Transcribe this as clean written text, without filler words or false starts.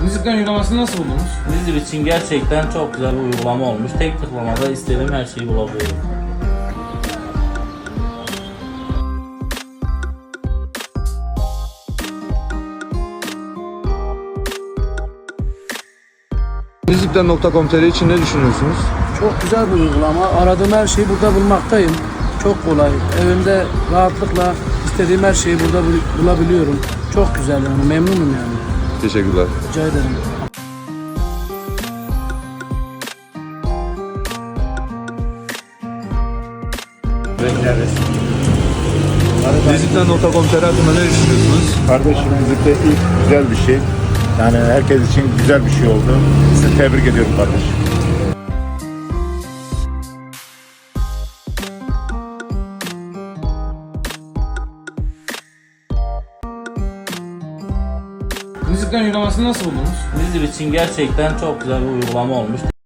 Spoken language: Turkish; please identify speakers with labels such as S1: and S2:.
S1: Müzikten uygulamasını nasıl buldunuz?
S2: Bizim için gerçekten çok güzel bir uygulama olmuş. Tek tıklamada istediğim her şeyi bulabiliyorum.
S3: Müzikten.com.tr için ne düşünüyorsunuz?
S4: Çok güzel bir uygulama. Aradığım her şeyi burada bulmaktayım. Çok kolay. Evimde rahatlıkla istediğim her şeyi burada bulabiliyorum. Çok güzel yani. Memnunum yani.
S3: Teşekkürler.
S4: Rica ederim.
S3: Müzikten.com.tr hakkında ne düşünüyorsunuz?
S5: Kardeşim müzikte ilk güzel bir şey. Yani herkes için güzel bir şey oldu. Sizi tebrik ediyorum kardeşim.
S1: Müzikten uygulamasını nasıl buldunuz?
S2: Bizim için gerçekten çok güzel bir uygulama olmuş.